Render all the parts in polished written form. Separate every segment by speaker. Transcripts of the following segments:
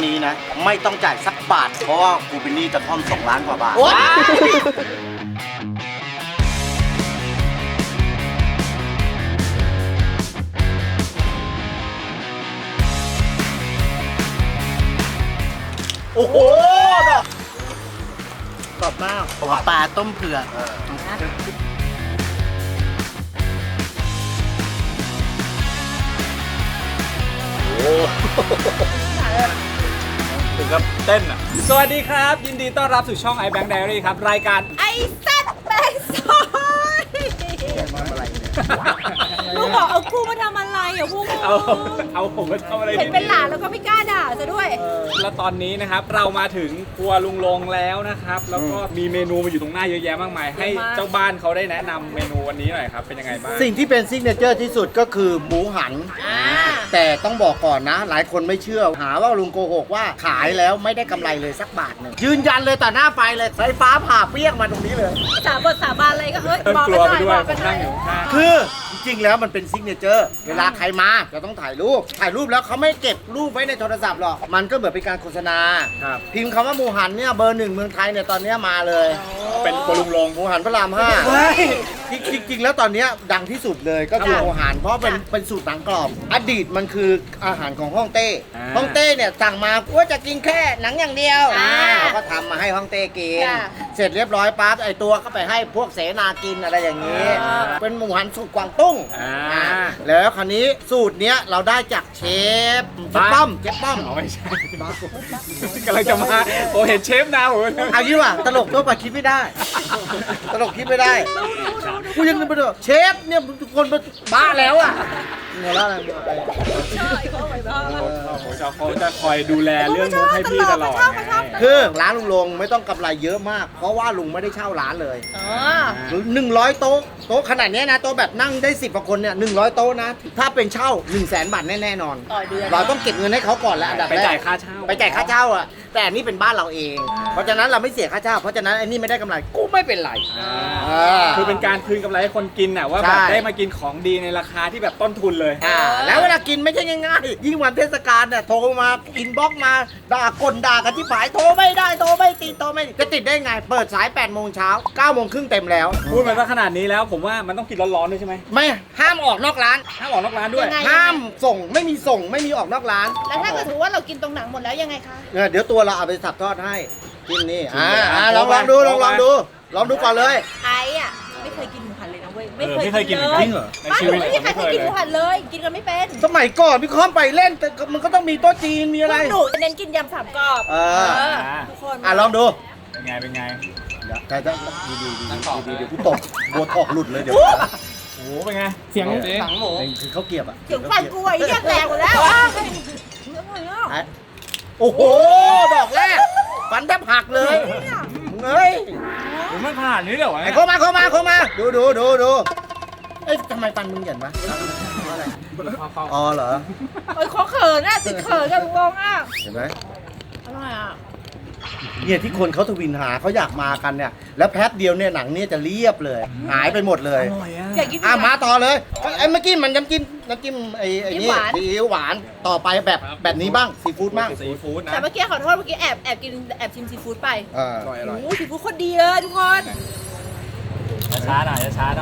Speaker 1: นี้นะ ไม่ต้องจ่ายสักบาท เพราะว่ากูเป็นหนี้กระท่อม2 ล้านกว่าบาทโอ้โหกรอบมากปลาต้มเผือก
Speaker 2: ถึงกับเต้นอ่ะสวัสดีครับยินดีต้อนรับสู่ช่อง iBank Diary ครับรายการ
Speaker 3: ไอ้สัตว์แบงซอยลูกบอกเอากูมาทำอะไรอ่ะพวกมึง
Speaker 2: เอาผมมาทำอะไร
Speaker 3: เห็นเป็นหลานแล้วก็ไม่กล้าด่าซะด้วย
Speaker 2: แล้วตอนนี้นะครับเรามาถึงครัวลุงลงแล้วนะครับแล้วก็มีเมนูมาอยู่ตรงหน้าเยอะแยะมากมายให้เจ้าบ้านเขาได้แนะนำเมนูวันนี้หน่อยครับเป็นยังไงบ้าง
Speaker 1: สิ่งที่เป็นซิกเนเจอร์ที่สุดก็คือหมูหันแต่ต้องบอกก่อนนะ หลายคนไม่เชื่อหาว่าลุงโกหกว่าขายแล้วไม่ได้กำไรเลยสักบาทหนึ่งยืนยันเลยต่อหน้าไฟเลยไฟฟ้าผ่าเปรี้ยงมาตรงนี้เลย
Speaker 3: สาบานอะไรก็เฮ้ย
Speaker 2: เริ่ม
Speaker 3: บอก
Speaker 2: ก
Speaker 3: กั
Speaker 2: ลั
Speaker 3: น
Speaker 2: ว
Speaker 3: ห
Speaker 2: ไป
Speaker 3: น่อย
Speaker 2: ด้วย
Speaker 3: บอกกันหน่
Speaker 2: นั่
Speaker 3: อง ย
Speaker 2: อยู่ข้าง
Speaker 1: คือจริงๆแล้วมันเป็นซิกเนเจอร์เวลาใครมาจะต้องถ่ายรูปแล้วเขาไม่เก็บรูปไว้ในโทรศัพท์หรอกมันก็เหมือนเป็นการโฆษณา
Speaker 2: ครับ
Speaker 1: พิมพ์คำว่าหมูหันเนี่ยเบอร์ 1เมืองไทยเนี่ยตอนนี้มาเลย
Speaker 2: เป็นครัวลุงลง
Speaker 1: หมูหันพระราม5จริงๆแล้วตอนนี้ดังที่สุดเลยก็คือหมูหันเพราะเป็นสูตรหนังกรอบอดีตมันคืออาหารของฮ่องเต้ฮ่องเต้เนี่ยสั่งมาว่าจะกินแค่หนังอย่างเดียวเราก็ทำมาให้ฮ่องเต้กินเสร็จเรียบร้อยปั๊บไอตัวก็ไปให้พวกเสนากินอะไรอย่างนี้เป็นหมูหันสูตรกวางตุ้งแล้วคราวนี้สูตรเนี้ยเราได้จากเชฟป้อม
Speaker 2: อ๋อไม่ใช่กำลังจะมาผมเห็นเชฟนะผม
Speaker 1: เอางี้ว่ะตลกตัวปะคิดไม่ได้ตลกคิดไม่ได้กูยังไม่รู้เชฟเนี่ยทุกคนบ้าแล้วอ่ะหัวเราะอะไร
Speaker 2: เขาจะคอยดูแลเรื่องมุกให้พี่ตลอด
Speaker 1: คือร้านลุงลงไม่ต้องกำไรเยอะมากเพราะว่าลุงไม่ได้เช่าร้านเลย100 โต๊ะขนาดนี้นะโต๊ะแบบนั่งได้10 กว่าคนเนี่ย100 โต๊ะนะถ้าเป็นเช่า 100,000 บาทแน่นอนเราต้องเก็บเงินให้เขาก่อนแล้วอันดับแรก
Speaker 2: ไปจ่ายค่าเช่า
Speaker 1: อ่ะแต่อันนี้เป็นบ้านเราเองเพราะฉะนั้นเราไม่เสียค่าเช่าเพราะฉะนั้นไอ้นี่ไม่ได้กำไรกูไม่เป็นไร
Speaker 2: คือเป็นการคืนกำไรให้คนกินน่ะว่าแบบได้มากินของดีในราคาที่แบบต้นทุนเลย
Speaker 1: แล้วเวลากินไม่ใช่ง่ายๆยิ่งวันเทศกาลเนี่ยโทรมาอินบ็อกซ์มาด่ากันที่ผายโทรไม่ได้โทรไม่ติดจะติดได้ไงเปิดสาย8 โมงเช้า9 โมงครึ่งเต็มแล้ว
Speaker 2: พูดมาซะขนาดนี้แล้วผมว่ามันต้องกินร้อนๆด้วยใช่ไหม
Speaker 1: ไม่ห้ามออกนอกร้าน
Speaker 2: ด้วย
Speaker 1: ห้ามส่งไม่มีออกนอกร้าน
Speaker 3: แล้วถ้าเกิดถือว่าเรากินตรงหนังหมดแล้วยังไงคะ
Speaker 1: เดี๋ยวตัวเราเอาไปสับทอดให้กินนี่ลองดูก่อนเลย
Speaker 3: ไอ้อะไม่เคยกินหมูหันเลยนะเว้ยไม่เคยกิน
Speaker 2: เลยจริงเหรอ
Speaker 3: บ้านหนูไม่มีใครเคยกินหมูหันเลยกินกันไม่เป็น
Speaker 1: สมัยก่อนพี่ค้อมไปเล่นแต่มันก็ต้องมีโต๊ะจีนมีอะไร
Speaker 3: หนูเน้นกินยำ3 กรอบทุกคน
Speaker 1: ลองดู
Speaker 2: เป็นไง
Speaker 1: ใครจะดีเดี๋ยวกูตบบัวทอกหลุดเลยเดี๋ยว
Speaker 2: โอ้เป็นไงเสียงหนังหมู
Speaker 1: คือเขาเกียบ
Speaker 3: เสียงฟันกูไอ้ยังแรงหมดแล้ว
Speaker 1: โอ้โหดอกแรกฟันแทบหักเลยเฮ้ย
Speaker 2: ผมไม่ขนาดนี้เดี๋ยว
Speaker 1: เข้ามาดูเอ้ยทำไมฟันมึงเหยินวะอะไรอ๋อเหรอ
Speaker 3: เขาเขินอ่ะติดเขินกับลุงลงอ่ะ
Speaker 1: เห็นไหม
Speaker 3: อร่อยอ่ะ
Speaker 1: เนี่ยที่คนเขาทวินหาเขาอยากมากันเนี่ยแล้วแป๊บเดียวเนี่ยหนังเนี่ยจะเรียบเลยหายไปหมดเลย
Speaker 3: อยากกิน
Speaker 1: มาต่อเลยไอ้เมื่อกี้มันน้ำจิ้มไอ้นี่ซีอิ๊วหวานต่อไปแบบนี้บ้างซีฟู้ดบ้าง
Speaker 3: นะแต่เมื่อกี้ขอโทษเมื่อกี้แอบชิมซีฟู้ดไปอร่อยซีฟู้ดคนดีเลยทุกคน
Speaker 2: ช้าหน่อย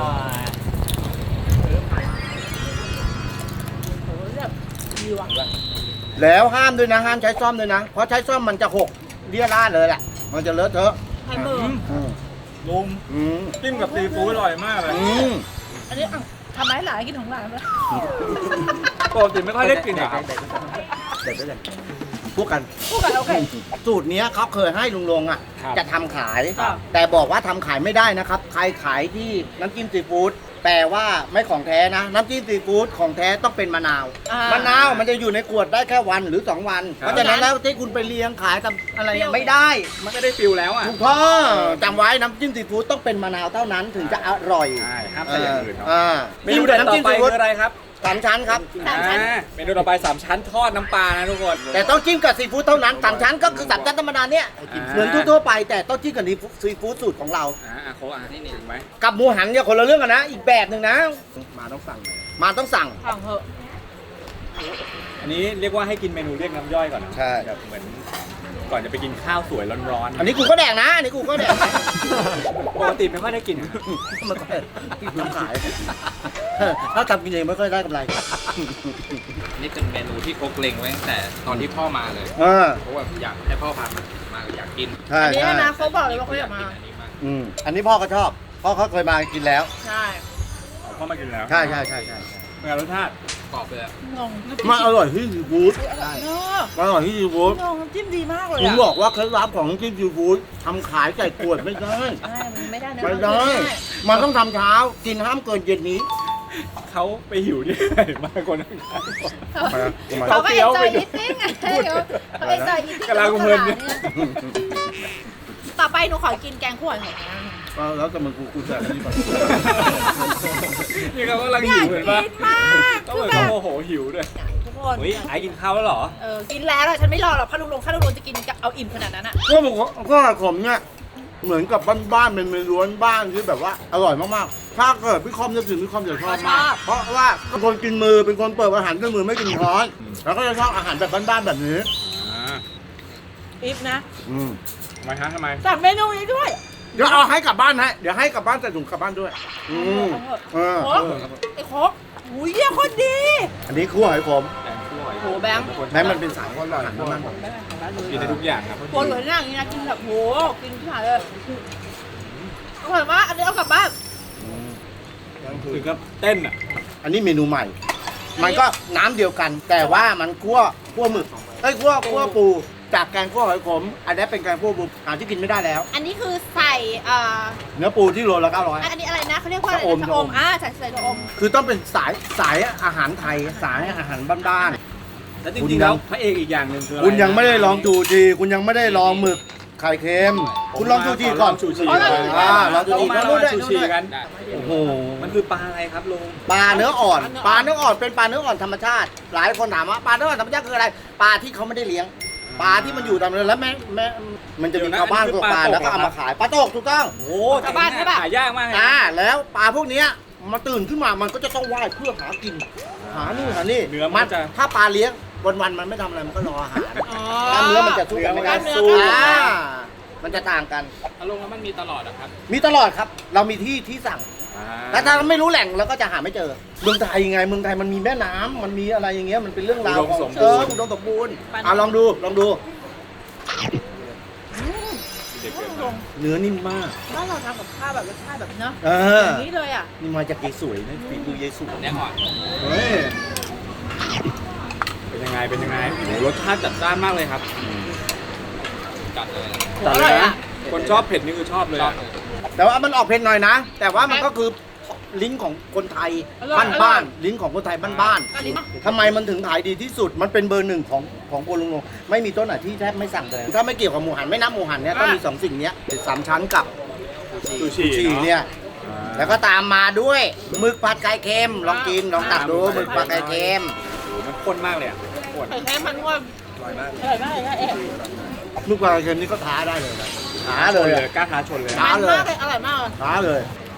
Speaker 3: ดีว่ะ
Speaker 1: แล้วห้ามด้วยนะห้ามใช้ซ่อมด้วยนะเพราะใช้ซ่อมมันจะหกเลี่ยราดเลยแหละมันจะเลอะเทอะ
Speaker 3: ไข่มือ
Speaker 2: ลุงจิ้มกับซีฟู้ดอร่อยมากเลย
Speaker 3: อันนี้ทำไมหลานกินของหลานเลย
Speaker 2: ปกติไม่ค่อยได้กินอ่ะ
Speaker 1: เด็ดพูดกัน
Speaker 3: โอเค
Speaker 1: สูตรนี้เขาเคยให้ลุงลงอ่ะจะทำขายแต่บอกว่าทำขายไม่ได้นะครับใครขายที่น้ำจิ้มซีฟู้ดแต่ว่าไม่ของแท้นะน้ำจิ้มซีฟู้ดของแท้ต้องเป็นมะนาวมันจะอยู่ในขวดได้แค่วันหรือ2 วันเพราะฉะนั้นแล้วที่คุณไปเลี้ยงขายกับอะไรไม่ได้
Speaker 2: มันก็ได้ฟิลแล้วอ่ะ
Speaker 1: ถูกต้องจำไว้น้ำจิ้มซีฟู้ดต้องเป็นมะนาวเท่านั้นถึงจะอร่อย
Speaker 2: ห้ามใส่อย่างอื่น
Speaker 1: เมนูต่อไป
Speaker 2: คืออะไรครับ
Speaker 1: 3 ชั้นครับ
Speaker 2: เมนูต่อไป3 ชั้นทอดน้ำปลานะทุกคน
Speaker 1: แต่ต้องจิ้มกับซีฟู้ดเท่านั้น3 ชั้นก็คือ3 ชั้นธรรมดาเนี่ยเหมือนทั่วไปแต่ต้องจิ้มกับซีฟู้ดสูตรของเรา
Speaker 2: โค้นี่ถูกไหม
Speaker 1: กับหมูหันเนี่ยคนละเรื่องกันนะอีกแบบหนึ่งนะมาต้องสั่ง
Speaker 3: สั่งเถอะ
Speaker 2: อันนี้เรียกว่าให้กินเมนูเรียกน้ำย่อยก่อนนะ
Speaker 1: ใช่
Speaker 2: แบบเหมือนก่อนจะไปกินข้าวสวยร้อนๆ
Speaker 1: อันนี้กูก็แดกนะ อันนี้กูก็แดก
Speaker 2: ปกติไม่ค่อยได้กิน
Speaker 1: มันก็ทำขายถ้าทำกินเองไม่ค่อยได้กำไร
Speaker 4: นี่เป็นเมนูที่โคกเล็งไว้ตั้งแต่ตอนที่พ่อมาเลย เพราะว่าอยากให้พ่อพามาอยากกิน
Speaker 1: ใช่
Speaker 3: อันนี้
Speaker 1: ใช่
Speaker 3: นะเขาบอกเลยว่าเขาอยากมา
Speaker 4: อันนี้มาก
Speaker 1: อันนี้พ่อก็ชอบพ่อเขาเคยมากินแล้ว
Speaker 3: ใช่
Speaker 2: เอาเข้ามากินแล้ว
Speaker 1: ใช่ใช่ใช่ใช่
Speaker 2: เป็นไงรสชาติ
Speaker 4: กรอบเลยอะ
Speaker 3: งง
Speaker 1: มันอร่อยที่ซีฟู้ด
Speaker 3: เนอะ
Speaker 1: มันอร่อยที่ซีฟู้ด
Speaker 3: งงน้ำจิ้มดีมากเลย
Speaker 1: ผม
Speaker 3: อ่ะ
Speaker 1: บอกว่าเคล็ดลับของน้ำจิ้มซีฟู้ดทำขายใส่ขวดไม่ได้
Speaker 3: ใช่มันไม่ได้นะ
Speaker 1: ไม่ได้ มันต้องทำเช้า กินห้ามเกินเย็นนี้
Speaker 2: เขาไปหิวที่ไหนมาคนนั้น
Speaker 3: เขาก็เอ็นจอยนิดนึงไงเขาเอ็นจอยนิดนึง
Speaker 2: กำลังเพลินเนี่ย
Speaker 3: ต่อไปหนูขอกินแกงคั่วหน่อยนะ
Speaker 1: แล้วแต่มันกูจะนี่ไป
Speaker 2: นี่เขากำลังหิวเห็นปะ
Speaker 3: กินมาก
Speaker 2: ต้อง
Speaker 3: คือ
Speaker 2: เหมือน
Speaker 3: แบ
Speaker 2: เขา
Speaker 3: บ
Speaker 2: โมโหหิวด้วย
Speaker 3: ทุกคน
Speaker 2: เฮ้ยไอ้กินข้าวแล้วเหรอ
Speaker 3: กินแล้วอะฉันไม่รอหรอกข้าลุงลงจะกินเอาอิ่มขนาดนั้นอะ
Speaker 1: ก็ผมเนี่ยเหมือนกับบ้านๆเป็นเมนูบ้านที่แบบว่าอร่อยมากๆ ถ้าเกิดพี่คอมจะถึงพี่คอมจะชอบมาก เพราะว่าเป็นคนกินมือเป็นคนเปิดอาหารด้วยมือไม่กินช้อน แล้วก็จะชอบอาหารแบบบ้านๆแบบนี้
Speaker 3: อิ่มนะ
Speaker 2: ทำไมฮะทำไม
Speaker 3: สั่งเมนูนี้ด้วย
Speaker 1: เดี๋ยวเอาให้กลับบ้านให้เดี๋ยวให้กลับบ้านใส่ถุงกลับบ้านด้วยเออ
Speaker 3: โค้กไอ้โค้กอุ้ยเยี่ยโคตรดี
Speaker 1: อันนี้คั่วหอยขม
Speaker 2: แกงคั่ว
Speaker 3: โหแบงค์
Speaker 1: แม้มันเป็นสายอาหารมัน
Speaker 2: กินได้ทุกอย่างครับ
Speaker 3: โคตรสวยหน้าอย่างนี้นะกินแบบโหกินที่หายเลยอร่อยมากอันนี้เอากลับบ้าน
Speaker 2: ถึงกับเต้นอ่ะ
Speaker 1: อันนี้เมนูใหม่ มันก็น้ำเดียวกัน แต่ว่ามันคั่วหมึกคั่วปูจากแกงคั่วหอยขม อันนี้เป็นแกงคั่วปูหาที่กินไม่ได้แล้ว
Speaker 3: อันนี้คือใส่
Speaker 1: เนื้อปูที่โลละ900
Speaker 3: อันนี้อะไรนะเขาเรียกว่าอะไร
Speaker 1: ชะอม
Speaker 3: นะชะอมใส่ชะอม
Speaker 1: คือต้องเป็นสายอาหารไทยสายอาหารบ้าน
Speaker 2: แล้วจริงๆแล้วพระเอกอีกอย่างหนึ่งคือ
Speaker 1: ๆ
Speaker 2: อะไร
Speaker 1: คุณยังไม่ได้ลองจูจีคุณยังไม่ได้ลองหมึกไข่เค็ม คุณลองจูจีก่อน
Speaker 2: ชูชี
Speaker 1: ลองจูจี
Speaker 2: มา
Speaker 1: นู่นด้วย
Speaker 2: ชู
Speaker 1: นู่น
Speaker 2: ชี
Speaker 1: ด้วย
Speaker 2: กัน
Speaker 1: โอ้โห
Speaker 2: มันคือปลาอะไรครับลุง
Speaker 1: ปลาเนื้ออ่อนเป็นปลาเนื้ออ่อนธรรมชาติ หลายคนถามว่าปลาเนื้ออ่อนธรรมชาติคืออะไรปลาที่เขาไม่ได้เลี้ยงปลาที่มันอยู่ตามนั้นแล้วแม่มันจะมีชาวบ้านตัวปลาแล้วก็เอามาขายปลาตกถูกต้อง
Speaker 2: โอ้ชาวบ้านใช่ป่ะหายากมากเลย
Speaker 1: แล้วปลาพวกเนี้ยมาตื่นขึ้นมามันก็จะต้องว่ายเพื่อหากินหานี่หานี่
Speaker 2: เนื้อมันจะ
Speaker 1: ถ้าปลาเลี้ยงวันๆมันไม่ทำอะไรมันก็รออาหาร
Speaker 3: อ๋อก
Speaker 1: ล้ามเนื้อมันจะสู้กันไม่ได้
Speaker 3: กล้ามเนื้อ
Speaker 1: มันจะต่างกัน
Speaker 4: อารมณ์แล้วมันมีตลอดอะครับ
Speaker 1: มีตลอดครับ เรามีที่สั่ง แต่ถ้าเราไม่รู้แหล่งเราก็จะหาไม่เจอเมืองไทยไงเมืองไทยมันมีแม่น้ำมันมีอะไรอย่างเงี้ยมันเป็นเรื่องราวของอุดมสมบูรณ์ลองดูเนื้อนิ่มมาก
Speaker 3: บ้านเราทำกับข้าวแบบรสชาติแบบเนาะ
Speaker 1: อ
Speaker 3: อย่างนี้เลยอ่ะ
Speaker 1: นี่มาจากยายสวยนะฝีมือยายสวย
Speaker 4: แน่นอน
Speaker 1: เฮ้ย
Speaker 2: เป็นยังไงโหรสชาติจัดจ้านมากเลยครับ
Speaker 4: จัดเลย
Speaker 1: จัดเลยนะ
Speaker 2: คนชอบเผ็ดนี่คือชอบเลย
Speaker 4: ชอบ
Speaker 2: อะ
Speaker 4: เลย
Speaker 1: แต่ว่ามันออกเผ็ดหน่อยนะ แต่ว่ามันก็คือลิ้นของคนไทยบ้านๆลิ้นของคนไทยบ้าน
Speaker 3: อันนี้
Speaker 1: ๆทำไมมันถึงขายดีที่สุดมันเป็นเบอร์หนึ่งของโกลุงลงไม่มีต้นไหนที่แทบไม่สั่งเลยถ้าไม่เกี่ยวกับหมูหันไม่นับหมูหันเนี่ยก็มีสองสิ่งเนี้ยสามชั้นกับ
Speaker 2: ซูชิ
Speaker 1: ชีเนี่ยแล้วก็ตามมาด้วยหมึกผัดไก่เค็มลองกินลองตักดูหมึกผัดไก่เค็ม
Speaker 2: โอ้โหมันข้นมากเลยอ่ะข้น
Speaker 3: ไข่แค่มันว่า
Speaker 2: อร่อยมาก
Speaker 3: อร่อยมากเลยนะเอ๊ะ
Speaker 1: หมึกผัดไก่เค็มนี่ก็ท้าได้เลยนะท้าเลย
Speaker 2: กล้าท้าชนเลย
Speaker 1: ท้า
Speaker 3: มัน
Speaker 1: เลย
Speaker 3: มากเลยอร่อยมากเลย
Speaker 1: ท้าเลย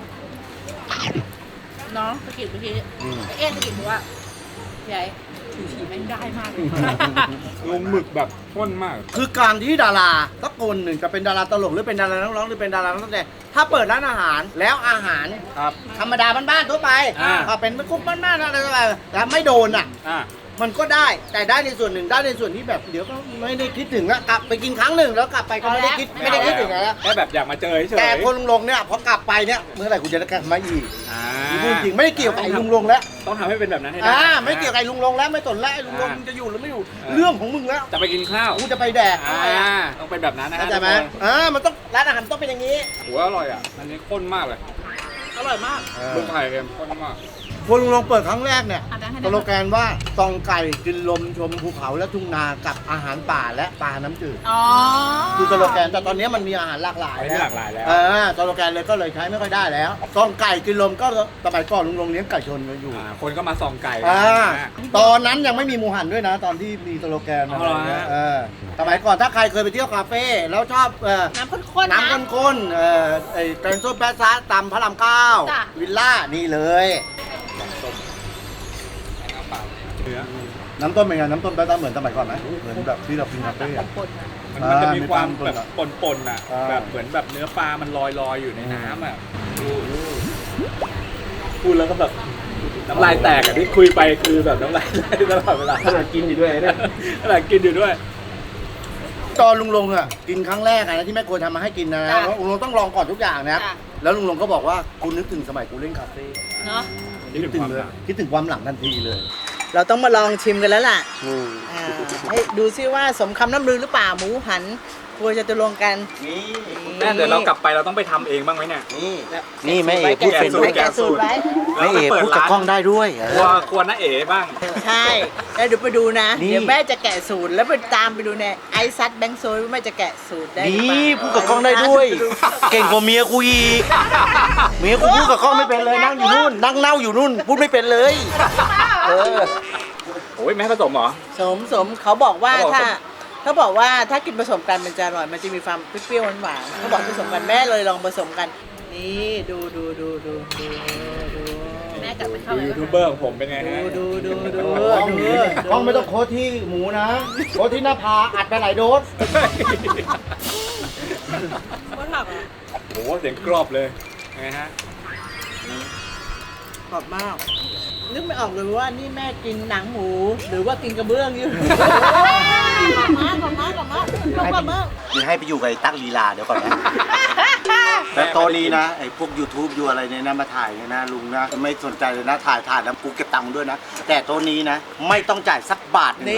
Speaker 3: น้องสกิดเมื่อกี้เอ๊ะสกิดบอกว่าใหญ่ชูชีแม่งได้มากเลย
Speaker 2: ลงหมึกแบบข้นมาก
Speaker 1: คือการที่ดาราสักคนหนึ่งจะเป็นดาราตลกหรือเป็นดารานักร้องหรือเป็นดารานักแสดงถ้าเปิดร้านอาหารแล้วอาหาร
Speaker 2: ครับ
Speaker 1: ธรรมดาบ้านๆทั่วไป เป็นคุกบ้านๆอะไรต่างๆแล้วไม่โดนอ่ะ มันก็ได้แต่ได้ในส่วนหนึ่งได้ในส่วนที่แบบเดี๋ยวก็ไม่ได้คิดถึงแล้วกลับไปกินครั้งหนึ่งแล้วกลับไปก็ไม่ได้คิดถึงแล้ว
Speaker 2: แค่แบบอยากมาเจอเฉยๆ
Speaker 1: แต่คนลุงลงเนี่ยพอกลับไปเนี่ยเมื่อไหร่กูจะได้กลับมาอีก
Speaker 2: อ่า
Speaker 1: พูดจริงไม่ได้เกี่ยวกับไอ้ลุงลงแล้ว
Speaker 2: ต้องทำให้เป็นแบบนั้นให้ได้
Speaker 1: ไม่เกี่ยวกับไอ้ลุงลงแล้วไม่สนแล้วไอ้ลุงลงมึงจะอยู่หรือไม่อยู่เรื่องของมึงแล้ว
Speaker 2: จะไปกินข้าว
Speaker 1: กูจะไปแดก
Speaker 2: ต้องเป็นแบบนั้นนะ
Speaker 1: เข้าใจไหมมันต้องร้านอาหารต้องเป็นอย่างนี้
Speaker 2: หัวอร่อยอ่ะ อันนี้ข้นมากเลย
Speaker 3: อร่อยมาก
Speaker 2: เมืองไทยเค็มข้นมาก
Speaker 1: คนลุงลงเปิดครั้งแรกเนี่ย
Speaker 3: อ่ะได้ให้
Speaker 1: ส
Speaker 3: ได้
Speaker 1: โลแกนว่าซองไก่กินลมชมภูเขาและทุ่งนากับอาหารป่าและปลาน้ำจืด
Speaker 3: อ๋อ
Speaker 1: คือสโลแกนแต่ตอนนี้มันมีอาหารหลากหลาย
Speaker 2: ไม่หลากหลายแล้ว
Speaker 1: สโลแกนเลยก็เลยใช้ไม่ค่อยได้แล้วซองไก่กินลมก็สมัยก่อนลุงลงเลี้ยงไก่ชนกันอยู่
Speaker 2: คนก็มาส่องไก่
Speaker 1: ตอนนั้นยังไม่มีหมูหันด้วยนะ ตอนที่มีสโลแกนอะไรเงี้ยสมัยก่อนถ้าใครเคยไปเที่ยวคาเฟ่แล้วชอบ
Speaker 3: น้ำข้นๆนะ
Speaker 1: น้ำข้นๆไอ้แกงส้มแป๊ะซะตำพระราม
Speaker 3: จ้ะ
Speaker 1: 9วิลล่านี่เลย
Speaker 2: เนื้อ
Speaker 1: น้ำต้มเป็นไงน้ำต้มแป๊ะๆเหมือนสมัยก่อนไหมเหมือนแบบที่เรากินคาเฟ่อะ
Speaker 2: มันจะมีความ
Speaker 1: มีความ
Speaker 2: แบบปนๆอ่ะ
Speaker 1: อ่า
Speaker 2: แบบเหมือนแบบเนื้อปลามันลอยอยู่ในน้ำอ่ะพูดแล้วก็แบบน้ำลายแตกอ่ะที่คุยไปคือแบบน้ำลายไหลตลอดเวลา
Speaker 5: ขนาดกินอยู่ด้วยเนี่ย
Speaker 2: ขนาดกินอยู่ด้วย
Speaker 1: ตอนลุงลงอ่ะกินครั้งแรกอะนะที่แม่ครัวทำมาให้กินนะ
Speaker 3: จ้ะ
Speaker 1: ลุงลงต้องลองก่อนทุกอย่างนะ
Speaker 3: จ้ะ
Speaker 1: แล้วลุงลงก็บอกว่ากูนึกถึงสมัยกูเล่นคาเฟ่
Speaker 3: เนาะ
Speaker 2: คิดถึงความหลัง
Speaker 1: คิดถึงความหลังทันทีเลย
Speaker 3: เราต้องมาลองชิมกันแล้วล่ะให้ดูซิว่าสมคำน้ำลือหรือเปล่าหมูหันครัวจตุรงค์กัน
Speaker 2: แม่เดี๋ยวเรากลับไปเราต้องไปทำเองบ้างไหมเนี่ย
Speaker 1: นี่แม่เอกพูดเป็น
Speaker 2: แกะ
Speaker 3: แกะสูตรไว้
Speaker 1: แม่เอกพูดกับกล้องได้ด้วย
Speaker 2: ควรน้าเอ๋บ้าง
Speaker 3: ใช่แล้วเดี๋ยวไปดูนะ
Speaker 1: นี่
Speaker 3: เดี๋ยวแม่จะแกะสูตรแล้วไปตามไปดูในไอซัดแบงค์โซยว่าแม่จะแกะสูตรได้หรือเปล่า
Speaker 1: นี่พูดกับกล้องได้ด้วย เก่งกว่าเมียกูอีกเมียกูพูดกับกล้องไม่เป็นเลยนั่งอยู่นู่นนั่งเน่าอยู่นู่นพูดไม่เป็นเลยเออ
Speaker 2: โอ้ยแม่ผสมเหรอ
Speaker 3: สมเขาบอกว่า
Speaker 2: เขาบอก
Speaker 3: เขาบอกว่าถ้ากินผสมกันมันจะอร่อยมันจะมีความเปรี้ยวๆหวานๆเขาบอกผสมกันแม่เลยลองผสมกันนี่ดูแม่กลับไปเข้า
Speaker 2: ดูยูทูบเบอร์ของผมเป็นไงฮะ
Speaker 3: ดู
Speaker 1: กล้องไม่ต้องโค้ดที่หมูนะโค้ดที่หน้าผากอัดไปหลายโดส
Speaker 3: ว่าหลับ
Speaker 2: โอ้โหเสียงกรอบเลยไงฮะ
Speaker 3: กรอบมากนึกไม่ออกเลยว่านี่แม่กินหนังหมูหรือว่ากินกระเบื้องอยู่กรอบมาก
Speaker 1: นี่ให้ไปอยู่กับไอ้ตั๊กลีลาเดี๋ยวก่อนนะแต่ตอนนี้นะไอ้พวก YouTube อยู่อะไรเนี่ยนะมาถ่ายเนี่ยนะลุงนะไม่สนใจเลยนะถ่ายแล้วกูเก็บตังค์ด้วยนะแต่ตัวนี้นะไม่ต้องจ่ายสักบาทหนึ่ง
Speaker 3: นี่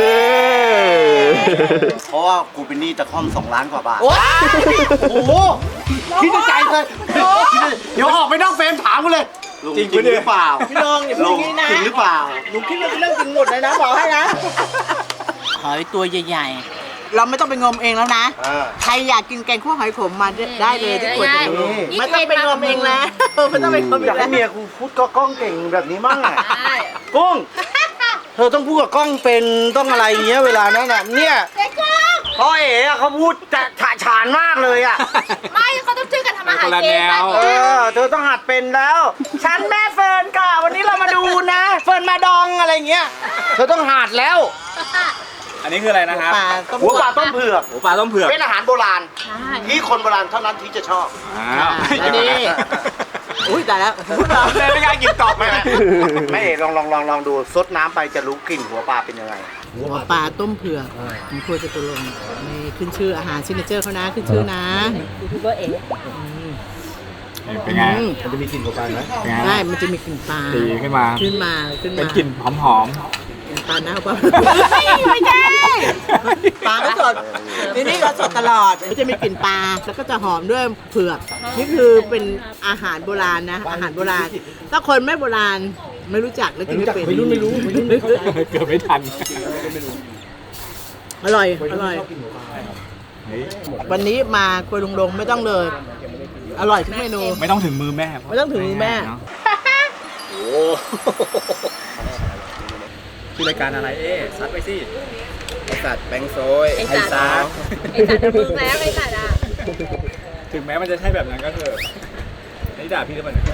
Speaker 1: เพราะว่ากูเป็นหนี้ตะค่อม2 ล้านกว่าบาท
Speaker 3: โอ้
Speaker 1: โอ้โหคิดในใจเลยเดี๋ยวออกไปนอกเฟรมถามกูเลยลุงจริงหรือเปล่า
Speaker 3: พี่ลงอย่าพูดอย่างนี้นะ
Speaker 1: จริงหรือเปล่า
Speaker 3: หนูคิดว่าเป็นเรื่องจริงหมดเลยนะบอกให้นะหอยตัวใหญ่ๆเราไม่ต้องไปงมเองแล้วนะ ใครอยากกินแกงคั่วหอยขมมาได้เลยที่ขวดจะดูไม่ต้องไปงมเองแล้วไม่ต้องไปงมเอ
Speaker 1: อยาก
Speaker 3: งแล้
Speaker 1: ให้
Speaker 3: ว
Speaker 1: เมียกูพูดก็กล้องเก่งแบบนี้มั่งอ่ะ
Speaker 3: ใช่
Speaker 1: กุ้งเธอต้องพูดกับกล้องเป็นต้องอะไรอย่างเงี้ยเวลานั้นอ่ะเนี่ยพ่อเอ๋อะเขาพูดจะฉะฉานมากเลยอ่ะ
Speaker 3: ไม่เขาต้องช่วยกันทำอาหาร
Speaker 2: คนละ
Speaker 3: เอ
Speaker 2: แน
Speaker 3: ง
Speaker 2: ว
Speaker 1: เธอต้องหัดเป็นแล้ว ฉันแม่เฟิร์นค่ะวันนี้เรามาดูนะ เฟิร์นมาดองอะไรเงี้ยเธอต้องหัดแล้ว
Speaker 2: อันนี้คืออะไรนะครับ
Speaker 3: ปลาต้ม
Speaker 1: หัวปลาต้มเผือก
Speaker 2: หมูปลาต้มเผือก
Speaker 1: เป็นอาหารโบราณ
Speaker 3: ใช่
Speaker 1: ที่คนโบราณเท่านั้นที่จะชอบ
Speaker 2: อ้าว
Speaker 3: อันนี้อุ้ยตายแล้ว
Speaker 2: แม่ไม่กล้ากินต่อไป
Speaker 1: แม่เอ๋ลองดูซดน้ำไปจะรู้กลิ่นหัวปลาเป็นยังไง
Speaker 3: หัวปลาต้มเผือกของครัวจตุรงค์นี่ขึ้นชื่ออาหารซิกเนเจอร์เขานะขึ้นชื่อนะยูทูบเบอร์เอ๋
Speaker 2: เป็นไง
Speaker 1: มันจะมีกลิ่นหัวปลาไหม
Speaker 2: เป็นไง
Speaker 3: ได้มันจะมีกลิ่นปลา
Speaker 2: ตีขึ้นมา เป็นกลิ่นหอม
Speaker 3: ปลาหน้าปลาไม่ใช่ปลาก็สดนี่ก็สดตลอดมันจะมีกลิ่นปลาแล้วก็จะหอมด้วยเผือกนี่คือเป็นอาหารโบราณนะอาหารโบราณถ้าคนไม่โบราณไม่รู้จักแล้วกินไม่เป็น
Speaker 1: ไม่รู้
Speaker 2: ๆ เกือบไม่ทัน
Speaker 3: อร่อย
Speaker 2: เฮ้ย
Speaker 3: วันนี้มาครัวลุงลงไม่ต้องเลย อร่อยทุกเมนู
Speaker 2: ไม่ต้องถึงมือแม่
Speaker 3: ไม่ต้องถึงมือแม่
Speaker 2: เนาะโอ้ชื่อรายการอะไรซัดไปสิ
Speaker 5: ไอสัตว์แบงค์โซย
Speaker 3: ไอ้สัตว์ ไอ้สัตว์มึงแล้วไอ้สัตว์อ่ะ
Speaker 2: ถึงแม้มันจะใช่แบบนั้นก็เถอะนี่ด่าพี่หรือเปล่าเนี่ย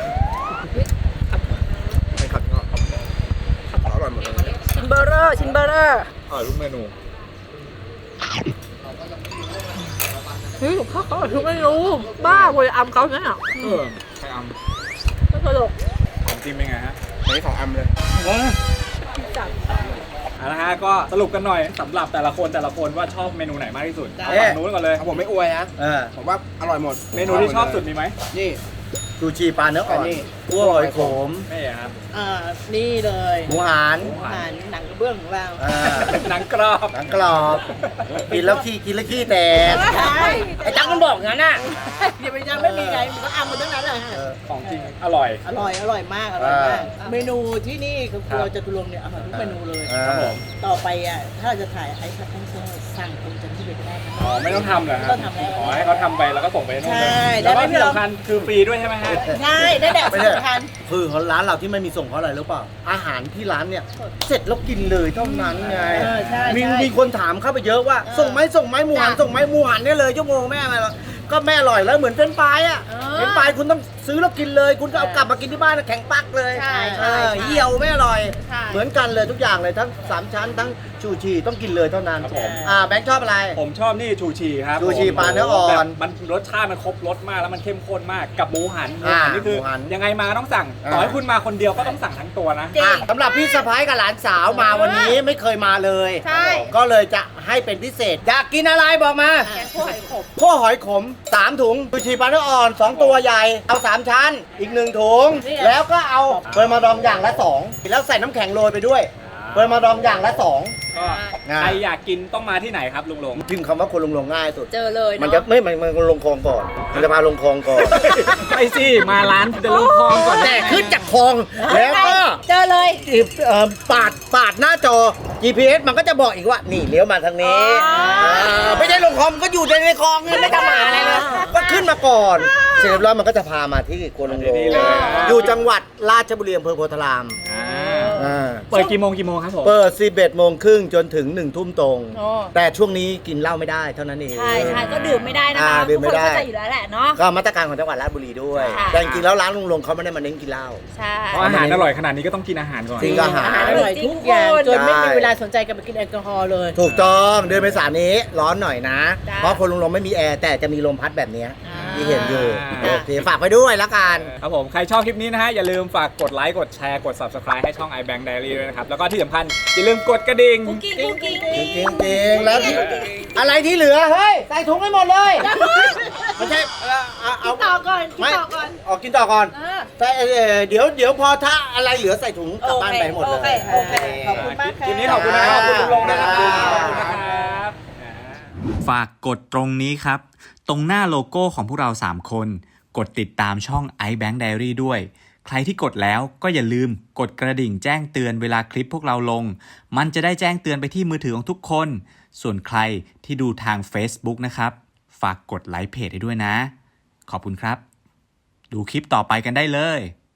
Speaker 5: ไม่ขัดงออร่อยหมดเลย
Speaker 3: ชินเบอร์เรอร์
Speaker 2: ทุกเมนู
Speaker 3: เฮ้ยเขาทุกเมนูบ้าเลยอำเขาเนี่ย
Speaker 2: ใครอำ
Speaker 3: ไม่ตลก
Speaker 2: ของจริงเป็นไงฮะ
Speaker 5: อันนี้ของอัมเลย
Speaker 2: นะฮะก็สรุปกันหน่อยสำหรับแต่ละคนว่าชอบเมนูไหนมากที่สุดเอาฝั่งนู้นก่อนเลย
Speaker 5: เอาผมไม่อวยนะผมว่าอร่อยหมด
Speaker 2: เมนูที่ชอบสุดมีไหม
Speaker 5: นี่
Speaker 1: ซูชิปลาเนื้ออ่อน
Speaker 5: อันนี้
Speaker 1: คั่วหอยขม
Speaker 2: ไม่ครับ
Speaker 3: นี่เลย
Speaker 1: หมูหัน
Speaker 3: อาหารหนังกระเบื้องของเรา
Speaker 2: หนังกรอบ
Speaker 1: หนังกรอบกินแล้วขี้แตก
Speaker 3: ใช่
Speaker 1: ไอ้ตั๊กมันบอกงั้นน่ะ
Speaker 3: อย่าไปยังไม่มีไงมันก็อำมันทั้งนั้นเลย
Speaker 2: ของจริงอร่อย
Speaker 3: อร่อยมากเมนูที่นี่คือครัวจตุรงค์เนี่ยอร่อยทุกเมนูเลย
Speaker 2: ครับผม
Speaker 3: ต่อไปอ่ะถ้าเราจะถ่ายไอ้คัตติ้งโซ่สั่งตรงจากที่ไปก็ได้นะ
Speaker 2: อ๋อไม่ต้องทำเหรอค
Speaker 3: ไม่
Speaker 2: รั
Speaker 3: ต้
Speaker 2: บ
Speaker 3: องทำแล้ว
Speaker 2: ขอให้เขาทำไปแล้วก็ส่งไปให้นู่น
Speaker 3: ใช่
Speaker 2: แล้วก็
Speaker 3: ได้ไหมพี่
Speaker 2: ที่
Speaker 3: ลอง
Speaker 2: สำคัญคือฟรีด้วยใช่ไหมฮะ
Speaker 3: ใช่ได้แบบ
Speaker 1: ไม่ใช่
Speaker 3: สำคัญ
Speaker 1: คือของร้านเราที่ไม่มีส่งเพราะอะไรรู้เปล่า อาหารที่ร้านเนี่ย เสร็จแล้วกินเลยเท่านั้นไง
Speaker 3: ใช่
Speaker 1: มีคนถามเข้าไปเยอะว่า ส่งไหมหมูหัน
Speaker 3: จ้ะ
Speaker 1: ส่งไหมหมูหันเนี่ยเลยชั่วโมงแม่มาแล้วก็แม่อร่อยแล้วเหมือนเฟรนช์ฟรายอ่ะ
Speaker 3: เออ
Speaker 1: เฟรนช์ฟรายคุณต้องซื้อแล้วกินเลย คุณก็เอากลับมากินที่บ้านนะแข็งปักเลย
Speaker 3: ใช่
Speaker 1: เหี่ยวไม่อร่อย
Speaker 3: ใช่
Speaker 1: เหมือนกันเลยทุกอย่างเลยทั้ง3ชั้นทั้งชูชีต้องกินเลยเท่านั้น
Speaker 2: ครับผม
Speaker 1: แบงค์ชอบอะไร
Speaker 2: ผมชอบนี่ชูชีครับ
Speaker 1: ชูชี
Speaker 2: ผม
Speaker 1: ปลาเนื้ออ่อน
Speaker 2: แบบมันรสชาติมันครบรสมากแล้วมันเข้มข้นมากกับหมูหันนี่คือ
Speaker 1: หมูหัน
Speaker 2: ยังไงมาต้องสั่งต่อให้คุณมาคนเดียวก็ต้องสั่งทั้งตัวนะ
Speaker 3: จริง
Speaker 1: สำหรับพี่สะพ้ายกับหลานสาวมาวันนี้ไม่เคยมาเลย
Speaker 3: ใช่
Speaker 1: ก็เลยจะให้เป็นพิเศษ อยากกินอะไรบอกมา
Speaker 3: แกงคั่วหอยขม
Speaker 1: คั่วหอยขม 3 ถุงชูชีปลาเนื้ออ่อน 2 ตัวใหญ่ เอา 3 ชั้น อีก 1 ถุง แล้วก็เอาเปิดมาดองอย่างละ 2 แล้วใส่น้ำแข็งโรยไปด้วยเปิดมาดองอย่างละ 2
Speaker 2: ก็ใครอยากกินต้องมาที่ไหนครับลุงลง
Speaker 1: พิมพ์คำว่าคนลงง่ายสุด
Speaker 3: เจอเลย
Speaker 1: มันจะไม่มันลงคลองก่อน มันจะมาลงคลองก่อน
Speaker 2: ไปสิมาร้านจะลงคลองก่อน
Speaker 1: แต่ขึ้นจากคลองแล้วก็
Speaker 3: เจอเลย
Speaker 1: ปาดหน้าจอ GPS มันก็จะบอกอีกว่า นี่เลี้ยวมาทางนี้ไม่ใช่ลงคลองก็อยู่ในคลองไม่ทำอะไรเลยก็ขึ้นมาก่อน เสร็จแล้วมันก็จะพามาที่โกลงโล
Speaker 2: นี่เลย
Speaker 1: อยู่จังหวัดราชบุรีอำเภอโพธาราม
Speaker 2: เปิดกี่โมงครับผม
Speaker 1: เปิด 11 โมงครึ่งจนถึง 1 ทุ่มตรง
Speaker 3: โอ้
Speaker 1: แต่ช่วงนี้กินเหล้าไม่ได้เท่านั้นเอง
Speaker 3: ใช่ก็ดื่มไม่ได้นะคะ
Speaker 1: ดื่มไม่ได้
Speaker 3: ทุกคนเข้าใจอยู่แล้วแหละเนาะ
Speaker 1: ก็มาตรการของจังหวัดราชบุรีด้วย
Speaker 3: ค่ะ
Speaker 1: แต่จริงๆแล้วร้านลุงลงเขาไม่ได้มาเน้นกินเหล้า
Speaker 3: ใช่
Speaker 2: เพราะอาหารอร่อยขนาดนี้ก็ต้องกินอาหารก่อน
Speaker 1: จริง อาหาร
Speaker 3: อร่อยทุกอย่างจนไม่มี
Speaker 1: ใช่
Speaker 3: เวลาสนใจกันไปกินแอลกอฮอล์เลย
Speaker 1: ถูกต้องเดือนเมษายนนี้ร้อนหน่อยนะ
Speaker 3: จ้ะ
Speaker 1: เพราะคนลุงลงไม่มีแอร์แต่จะมีลมพัดแบบเนี้ย
Speaker 3: อ่า
Speaker 1: ที่เห็นอยู่
Speaker 2: จ้ะ
Speaker 1: โอเคฝากไปด้วยละกัน
Speaker 2: ครับผมใครชอบคลิปนี้นะฮะอย่าลืมฝากกดไลค์กดแชร์กด Subscribe ให้ช่อง iBank Diary ด้วยนะครับแล้วก็ที่สำคัญอย่าลืมกดกระดิ่ง
Speaker 3: กุ๊กกิ๊กกุ๊กกิ๊ก
Speaker 1: จริงๆแล้วที่อะไรที่เหลือเฮ้ยใส่ถุงให้หมดเลยไม่ใช่เอา
Speaker 3: ต่อก่อนกิน
Speaker 1: ไม่
Speaker 3: ต่อก่อน
Speaker 1: ออกกินต่อก่อน
Speaker 3: เออ
Speaker 1: ใส่เดี๋ยวพอถ้าอะไรเหลือใส่ถุงกลับบ้านไปให้หมดเลย
Speaker 3: โอเคขอบคุณมากค่ะ
Speaker 2: คลิปนี้ขอบคุณนะครับขอบคุณลุงลงนะครับ
Speaker 1: จ้า
Speaker 2: ขอบคุณนะครับ
Speaker 6: ฝากกดตรงนี้ครับ ตรงหน้าโลโก้ของพวกเรา 3 คน กดติดตามช่อง iBank Diary ด้วย ใครที่กดแล้วก็อย่าลืมกดกระดิ่งแจ้งเตือนเวลาคลิปพวกเราลง มันจะได้แจ้งเตือนไปที่มือถือของทุกคน ส่วนใครที่ดูทาง Facebook นะครับ ฝากกดไลค์เพจให้ด้วยนะ ขอบคุณครับ ดูคลิปต่อไปกันได้เลย